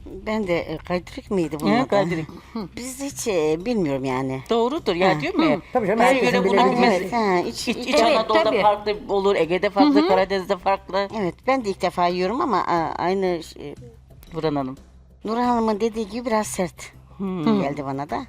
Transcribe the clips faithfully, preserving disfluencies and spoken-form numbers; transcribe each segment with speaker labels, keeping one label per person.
Speaker 1: Ben de e, kaydırak mıydı bunun
Speaker 2: He,
Speaker 1: adı?
Speaker 2: kaydırak.
Speaker 1: Biz hiç e, bilmiyorum yani.
Speaker 2: Doğrudur ya, diyorum ya.
Speaker 3: Tabii canım,
Speaker 2: Her
Speaker 3: herkesin
Speaker 2: yöre bunun
Speaker 3: bilebileceği
Speaker 2: bilmesi.
Speaker 1: Evet, ha, iç,
Speaker 2: İç,
Speaker 1: iç-
Speaker 2: İç
Speaker 4: Evet,
Speaker 2: Anadolu'da
Speaker 4: tabii.
Speaker 2: farklı olur, Ege'de farklı, Karadeniz'de farklı.
Speaker 1: evet, ben de ilk defa yiyorum ama a, aynı şey,
Speaker 2: Burhan Hanım.
Speaker 1: Nurhan Hanım'ın dediği gibi biraz sert geldi bana da.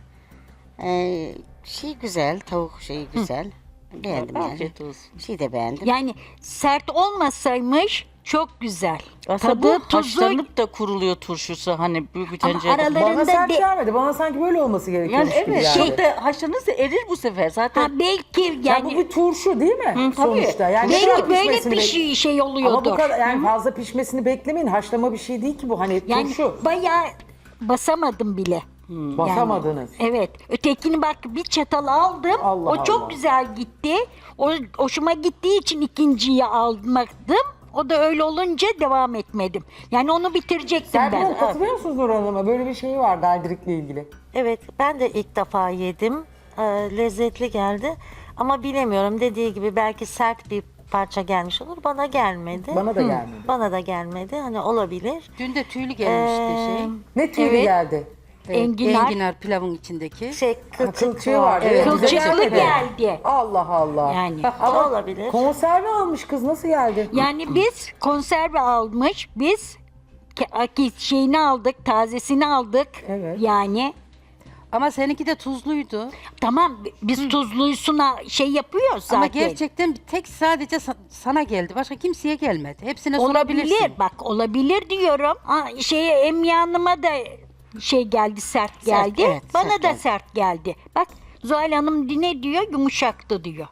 Speaker 1: Ee, şey güzel, tavuk şeyi güzel. Beğendim yani.
Speaker 2: Afiyet olsun.
Speaker 1: Şeyi de beğendim.
Speaker 4: Yani sert olmasaymış çok güzel.
Speaker 2: Aslında
Speaker 4: Tadı,
Speaker 2: bu
Speaker 4: tuzu
Speaker 2: haşlanıp da kuruluyor turşusu, hani büyük bir
Speaker 4: ama
Speaker 2: tencerede.
Speaker 3: Bana
Speaker 4: aralarında
Speaker 3: sert
Speaker 4: de,
Speaker 3: gelmedi. Bana sanki böyle olması gerekiyormuş
Speaker 2: Yani
Speaker 3: gibi
Speaker 2: evet,
Speaker 3: geldi.
Speaker 2: şey de haşlanırsa erir bu sefer zaten.
Speaker 4: ha, belki
Speaker 3: Ya bu
Speaker 4: yani
Speaker 3: bir turşu değil mi?
Speaker 2: Hı, tabii.
Speaker 3: Sonuçta. Yani ne kadar
Speaker 4: belki böyle
Speaker 3: pişmesini
Speaker 4: bir
Speaker 3: bek-
Speaker 4: şey, şey
Speaker 3: Ama bu
Speaker 4: oluyordur.
Speaker 3: kadar yani fazla pişmesini beklemeyin. Haşlama bir şey değil ki bu. Hani
Speaker 4: Yani
Speaker 3: turşu.
Speaker 4: bayağı basamadım bile.
Speaker 3: Basamadınız.
Speaker 4: Evet. Ötekini bak bir çatal aldım.
Speaker 3: Allah
Speaker 4: o çok
Speaker 3: Allah.
Speaker 4: güzel gitti. O hoşuma gittiği için ikinciyi almaktım. O da öyle olunca devam etmedim. Yani onu bitirecektim
Speaker 3: Serpil
Speaker 4: ben.
Speaker 3: Hanım, katılıyor musunuz Nur Hanım'a? Böyle bir şey var daldirikle ilgili.
Speaker 5: Evet, ben de ilk defa yedim. Ee, lezzetli geldi. Ama bilemiyorum, dediği gibi belki sert bir parça gelmiş olur. Bana gelmedi.
Speaker 3: Bana da gelmedi.
Speaker 5: Bana da gelmedi. Hani olabilir.
Speaker 6: Dün de tüylü gelmişti
Speaker 5: Ee,
Speaker 6: şey.
Speaker 3: Ne tüylü
Speaker 4: Evet.
Speaker 3: geldi?
Speaker 4: Enginar.
Speaker 6: Enginar pilavın içindeki.
Speaker 5: Şey,
Speaker 3: Ha,
Speaker 5: kılçık
Speaker 3: Kılçığı
Speaker 5: var.
Speaker 3: vardı.
Speaker 5: Evet.
Speaker 3: bize
Speaker 4: Kılçıklı geldi.
Speaker 3: Allah Allah.
Speaker 4: Yani.
Speaker 3: Ama
Speaker 5: Olabilir.
Speaker 3: konserve almış kız, nasıl geldi?
Speaker 4: Yani biz konserve almış, biz ke- ki- şeyini aldık, tazesini aldık.
Speaker 3: Evet.
Speaker 4: Yani
Speaker 6: Ama seninki de tuzluydu.
Speaker 4: tamam biz tuzluysuna şey yapıyoruz zaten.
Speaker 6: Ama gerçekten bir tek sadece sa- sana geldi. Başka kimseye gelmedi. Hepsine sorabilirsin.
Speaker 4: olabilir, bak olabilir diyorum. Ha, şeye Emine Hanım'a da şey geldi, sert geldi.
Speaker 1: evet,
Speaker 4: Bana
Speaker 1: sert
Speaker 4: da
Speaker 1: geldi.
Speaker 4: sert geldi. Bak Zuhal Hanım ne diyor? Yumuşaktı diyor.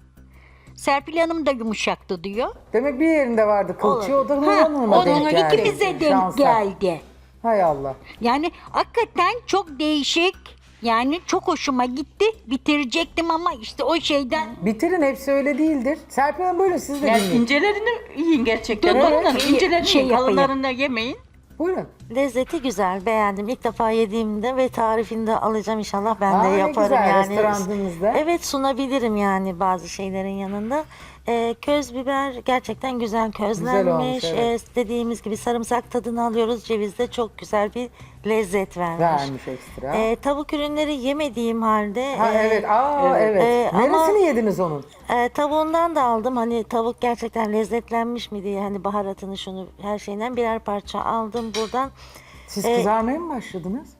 Speaker 4: Serpil Hanım da yumuşaktı diyor.
Speaker 3: Demek bir yerinde vardı kılçığı, o da Nur
Speaker 4: Ha,
Speaker 3: Hanım'a
Speaker 4: o
Speaker 3: denk
Speaker 4: da
Speaker 3: geldi.
Speaker 4: ikimize denk
Speaker 3: Şansa.
Speaker 4: geldi.
Speaker 3: Hay Allah.
Speaker 4: Yani hakikaten çok değişik. Yani çok hoşuma gitti. Bitirecektim ama işte o şeyden
Speaker 3: Bitirin, hepsi öyle değildir. Serpil Hanım buyurun, siz de
Speaker 2: Yani
Speaker 3: dinleyin.
Speaker 2: incelerini yiyin gerçekten.
Speaker 4: Dur,
Speaker 2: Nur
Speaker 4: dur,
Speaker 2: Hanım,
Speaker 4: şey-
Speaker 2: incelerini
Speaker 4: şey
Speaker 2: yiyin,
Speaker 4: yapayım.
Speaker 2: kalınlarını yemeyin.
Speaker 3: Buyurun.
Speaker 5: Lezzeti güzel, beğendim. İlk defa yediğimde ve tarifini de alacağım inşallah, ben
Speaker 3: Aa,
Speaker 5: de
Speaker 3: ne
Speaker 5: yaparım
Speaker 3: güzel,
Speaker 5: yani.
Speaker 3: restoranınızda.
Speaker 5: Evet, sunabilirim yani bazı şeylerin yanında. Ee, köz biber gerçekten güzel közlenmiş.
Speaker 3: olmuş, evet.
Speaker 5: Ee, dediğimiz gibi sarımsak tadını alıyoruz. Ceviz de çok güzel bir lezzet vermiş.
Speaker 3: Vermiş ekstra.
Speaker 5: Ee, tavuk ürünleri yemediğim halde
Speaker 3: ha
Speaker 5: e,
Speaker 3: evet, aa evet.
Speaker 5: Ee, ama-
Speaker 3: Neresini yediniz onun?
Speaker 5: e, tavuğundan da aldım. Hani tavuk gerçekten lezzetlenmiş mi diye, hani baharatını şunu her şeyinden birer parça aldım buradan.
Speaker 3: Siz
Speaker 5: Ee,
Speaker 3: kızarmaya mı başladınız?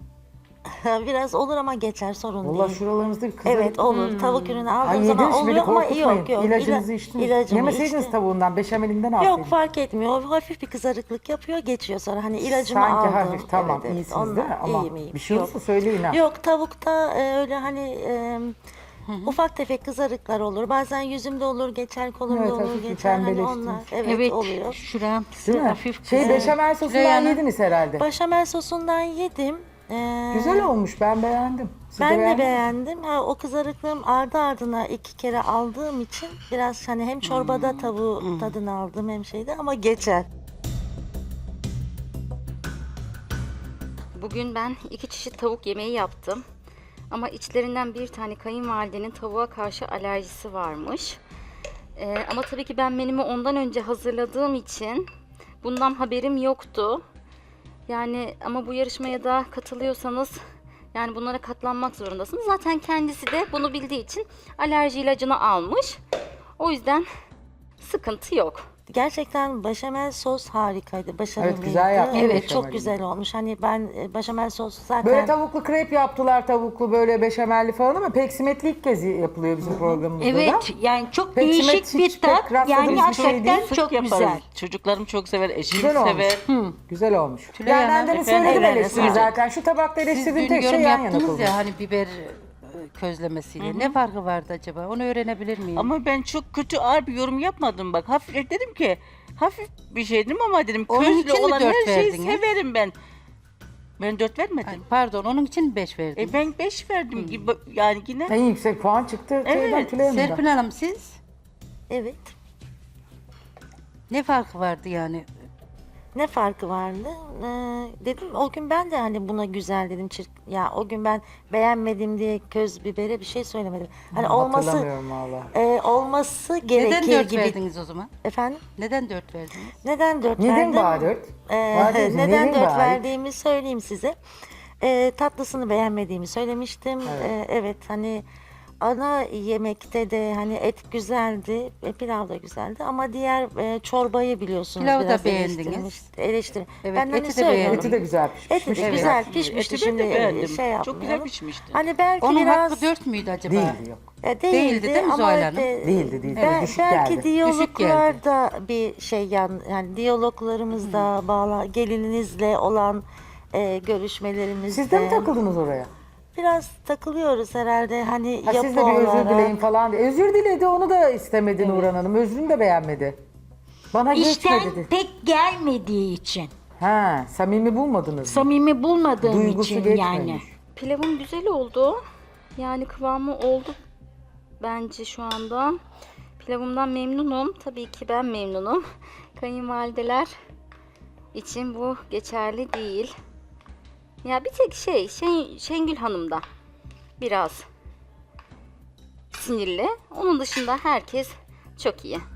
Speaker 5: Biraz olur ama geçer, sorun
Speaker 3: Vallahi
Speaker 5: değil.
Speaker 3: şuralarınızda bir kızarık.
Speaker 5: Evet olur. Tavuk ürünü aldığım
Speaker 3: Ay
Speaker 5: zaman
Speaker 3: yediniz, beni
Speaker 5: oluyor ama
Speaker 3: korkutmayın.
Speaker 5: yok yok.
Speaker 3: İlacınızı
Speaker 5: İla-
Speaker 3: içtiniz.
Speaker 5: ilacımı
Speaker 3: Yemeseydiniz
Speaker 5: içtim.
Speaker 3: tavuğundan, beşamelinde ne yapsaydınız?
Speaker 5: Yok, fark etmiyor. O hafif bir kızarıklık yapıyor, geçiyor sonra. Hani ilacımı
Speaker 3: Sanki
Speaker 5: aldım.
Speaker 3: hafif, tamam,
Speaker 5: Evet, evet.
Speaker 3: iyisiniz
Speaker 5: Ondan
Speaker 3: değil mi? Ama
Speaker 5: iyiyim, iyiyim.
Speaker 3: bir şey olursa söyleyin ha.
Speaker 5: Yok, tavukta e, öyle hani e, ufak tefek kızarıklar olur. Bazen yüzümde olur, geçer kolumda
Speaker 3: Evet,
Speaker 5: olur,
Speaker 3: hafif bir
Speaker 5: geçer. Hani
Speaker 3: pembeleştiniz.
Speaker 5: onlar evet,
Speaker 4: evet,
Speaker 5: oluyor.
Speaker 4: şuram
Speaker 3: Değil mi?
Speaker 4: hafif
Speaker 3: Şey,
Speaker 4: kızarık.
Speaker 3: beşamel sosundan
Speaker 6: Reyhan'ın-
Speaker 3: yediniz herhalde.
Speaker 5: Başamel sosundan yedim. Ee,
Speaker 3: Güzel olmuş, ben beğendim. Siz
Speaker 5: Ben de
Speaker 3: beğendiniz mi?
Speaker 5: beğendim. Ha, o kızarıklığım ardı ardına iki kere aldığım için biraz hani hem çorbada
Speaker 3: Hmm.
Speaker 5: tavuğu tadını aldım hem şeyde, ama geçer.
Speaker 7: Bugün ben iki çeşit tavuk yemeği yaptım. Ama içlerinden bir tane kayınvalidenin tavuğa karşı alerjisi varmış. Ee, ama tabii ki ben menümü ondan önce hazırladığım için bundan haberim yoktu. Yani ama bu yarışmaya da katılıyorsanız yani bunlara katlanmak zorundasınız. Zaten kendisi de bunu bildiği için alerji ilacını almış. O yüzden sıkıntı yok.
Speaker 5: Gerçekten başamel sos harikaydı, başarılıydı.
Speaker 3: güzel yapmış
Speaker 5: Evet,
Speaker 3: beşameli.
Speaker 5: çok güzel olmuş. Hani ben e, başamel sos zaten
Speaker 3: Böyle tavuklu krep yaptılar, tavuklu böyle beşamelli falan, ama peksimetli ilk kez yapılıyor bizim programımızda da.
Speaker 4: Evet, yani çok
Speaker 3: Peksimet
Speaker 4: değişik
Speaker 3: hiç
Speaker 4: bir tat.
Speaker 3: pek rastladığımız
Speaker 4: Yani
Speaker 3: bir şey
Speaker 4: hakikaten
Speaker 3: değil.
Speaker 4: çok
Speaker 2: Yaparız.
Speaker 4: güzel.
Speaker 2: Çocuklarım çok sever, eşim
Speaker 3: Güzel olmuş.
Speaker 2: sever.
Speaker 3: Güzel olmuş.
Speaker 6: Tülay
Speaker 3: Yani ben
Speaker 6: Hanım,
Speaker 3: demin
Speaker 2: efendim,
Speaker 3: söyledim
Speaker 2: evet,
Speaker 3: eleştiri
Speaker 2: evet.
Speaker 3: zaten. Şu tabakta
Speaker 6: Siz
Speaker 3: eleştirdiğim
Speaker 6: dün
Speaker 3: tek şey
Speaker 6: yorum
Speaker 3: yan yana
Speaker 6: yaptınız
Speaker 3: koyulmuş.
Speaker 6: ya hani biber e, közlemesiyle. Ne farkı vardı acaba? Onu öğrenebilir miyim?
Speaker 2: Ama ben çok kötü, ağır bir yorum yapmadım bak. Hafif dedim ki, hafif bir şey dedim ama dedim
Speaker 6: Onun
Speaker 2: közlü
Speaker 6: için mi
Speaker 2: olan
Speaker 6: dört
Speaker 2: her şeyi
Speaker 6: verdiniz?
Speaker 2: severim ben. Ben dört
Speaker 6: Ay,
Speaker 2: vermedim.
Speaker 6: pardon, onun için beş verdim.
Speaker 2: E ben beş verdim gibi yani yine.
Speaker 3: En yüksek puan çıktı.
Speaker 2: Evet,
Speaker 3: şeyden, Tülay Hanım'dan.
Speaker 6: Serpil Hanım, siz
Speaker 5: evet.
Speaker 6: ne farkı vardı yani?
Speaker 5: Ne farkı vardı? Ee, dedim o gün ben de hani buna güzel dedim. Çirk, ya o gün ben beğenmedim diye köz bibere bir şey söylemedim. Hani olması
Speaker 3: Hatırlamıyorum valla.
Speaker 5: e, olması
Speaker 6: Neden
Speaker 5: gerekir
Speaker 6: dört
Speaker 5: gibi.
Speaker 6: verdiniz o zaman?
Speaker 5: Efendim?
Speaker 6: Neden dört verdiniz?
Speaker 5: Neden dört
Speaker 3: Neden
Speaker 5: verdim?
Speaker 3: bana dört?
Speaker 5: Ee,
Speaker 3: Bana diyorsun,
Speaker 5: neden
Speaker 3: neden
Speaker 5: dört
Speaker 3: bari?
Speaker 5: verdiğimi söyleyeyim size. Ee, tatlısını beğenmediğimi söylemiştim. Evet. evet hani ana yemekte de hani et güzeldi, e, pilav da güzeldi ama diğer e, çorbayı biliyorsunuz
Speaker 6: Pilavı da
Speaker 5: biraz
Speaker 6: beğendiniz.
Speaker 5: eleştirmiş- Eleştir.
Speaker 6: Evet,
Speaker 5: ben hani
Speaker 6: eti de
Speaker 5: söylüyorum.
Speaker 6: beğendim.
Speaker 3: Eti de güzel pişmiş.
Speaker 5: Eti de
Speaker 2: Evet.
Speaker 5: güzel
Speaker 2: Eti
Speaker 5: pişmişti
Speaker 2: ben de
Speaker 5: şimdi
Speaker 2: beğendim.
Speaker 5: şey
Speaker 2: Çok
Speaker 5: yapmayalım.
Speaker 2: güzel pişmişti.
Speaker 5: Hani belki
Speaker 6: Onun
Speaker 5: biraz
Speaker 6: hakkı dört müydü acaba?
Speaker 3: Değildi yok.
Speaker 5: e, değildi,
Speaker 6: Değildi değil mi
Speaker 5: ama
Speaker 6: Zuhal Hanım?
Speaker 5: de-
Speaker 3: Değildi, değildi.
Speaker 5: Ben-
Speaker 3: Düşük
Speaker 5: belki
Speaker 3: geldi.
Speaker 5: diyaloglarda bir şey yan, yani diyaloglarımızda bağla gelininizle olan e, görüşmelerimizde
Speaker 3: Siz de mi takıldınız oraya?
Speaker 5: biraz takılıyoruz herhalde hani
Speaker 3: Ha,
Speaker 5: yapı
Speaker 3: siz de bir özür
Speaker 5: olarak.
Speaker 3: dileyin falan diye. Özür diledi, onu da istemedi Nurhan Hanım. Özrünü de beğenmedi. Bana
Speaker 4: İşten
Speaker 3: geçme dedi.
Speaker 4: pek gelmediği için.
Speaker 3: Ha, samimi bulmadınız mı?
Speaker 4: Samimi bulmadığım
Speaker 3: Duygusu
Speaker 4: için
Speaker 3: geçmemiş.
Speaker 4: yani.
Speaker 7: Pilavım güzel oldu. Yani kıvamı oldu bence şu anda. Pilavımdan memnunum. Tabii ki ben memnunum. Kayınvalideler için bu geçerli değil. Ya bir tek şey, Şen, Şengül Hanım'da biraz sinirli. Onun dışında herkes çok iyi.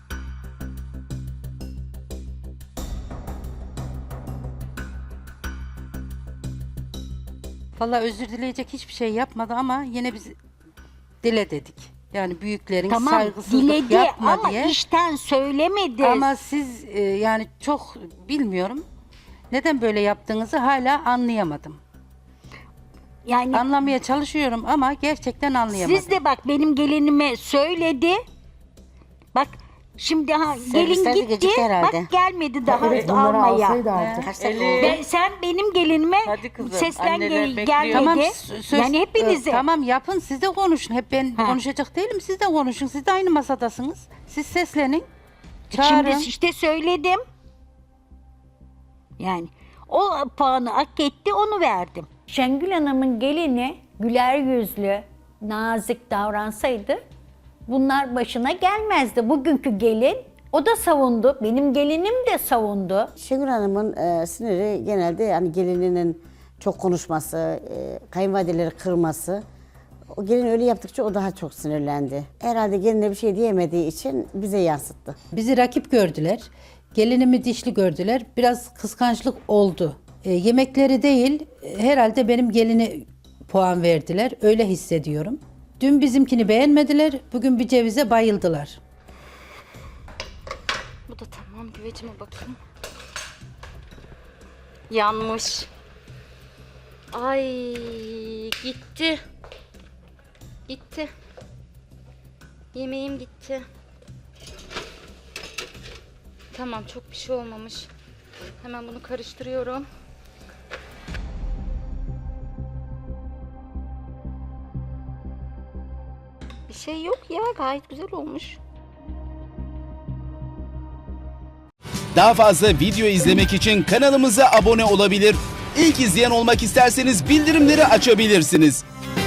Speaker 6: Vallahi özür dileyecek hiçbir şey yapmadı ama yine biz dile dedik. Yani büyüklerin
Speaker 4: Tamam
Speaker 6: saygısızlık
Speaker 4: diledi
Speaker 6: yapma
Speaker 4: ama
Speaker 6: diye.
Speaker 4: işten söylemedi.
Speaker 6: Ama siz e, yani çok bilmiyorum. Neden böyle yaptığınızı hala anlayamadım.
Speaker 4: yani
Speaker 6: Anlamaya çalışıyorum ama gerçekten anlayamadım.
Speaker 4: siz de bak benim gelinime söyledi. Bak şimdi ha, gelin
Speaker 1: Servisler de
Speaker 4: gitti.
Speaker 1: gecikti herhalde.
Speaker 4: Bak gelmedi daha
Speaker 3: Evet, bunları
Speaker 4: almaya.
Speaker 3: alsaydı artık.
Speaker 1: Kaç dakika
Speaker 2: Eli-
Speaker 1: oldu?
Speaker 4: Ben, sen benim gelinime
Speaker 2: Hadi kızım,
Speaker 4: seslen
Speaker 2: anneler
Speaker 4: gel,
Speaker 2: bekliyor.
Speaker 4: gelmedi.
Speaker 6: Tamam sö- söz,
Speaker 4: yani hepinize.
Speaker 6: e, tamam yapın siz de konuşun. Hep ben
Speaker 4: Ha.
Speaker 6: konuşacak değilim. Siz de konuşun. Siz de aynı masadasınız. Siz seslenin. Çağırın.
Speaker 4: Şimdi işte söyledim. Yani o puanı hak etti onu verdim.
Speaker 8: Şengül Hanım'ın gelini güler yüzlü, nazik davransaydı bunlar başına gelmezdi. Bugünkü gelin o da savundu, benim gelinim de savundu.
Speaker 9: Şengül Hanım'ın e, siniri genelde yani gelininin çok konuşması, e, kayınvalideleri kırması. O gelin öyle yaptıkça o daha çok sinirlendi. Herhalde geline bir şey diyemediği için bize yansıttı.
Speaker 10: Bizi rakip gördüler. Gelinimi dişli gördüler. Biraz kıskançlık oldu. E, yemekleri değil, e, herhalde benim geline puan verdiler. Öyle hissediyorum. Dün bizimkini beğenmediler, bugün bir cevize bayıldılar.
Speaker 7: Bu da tamam. Güvecime bakayım. Yanmış. Ay gitti. Gitti. Yemeğim gitti. Tamam çok bir şey olmamış. Hemen bunu karıştırıyorum. Bir şey yok ya gayet güzel olmuş.
Speaker 11: Daha fazla video izlemek için kanalımıza abone olabilir. İlk izleyen olmak isterseniz bildirimleri açabilirsiniz.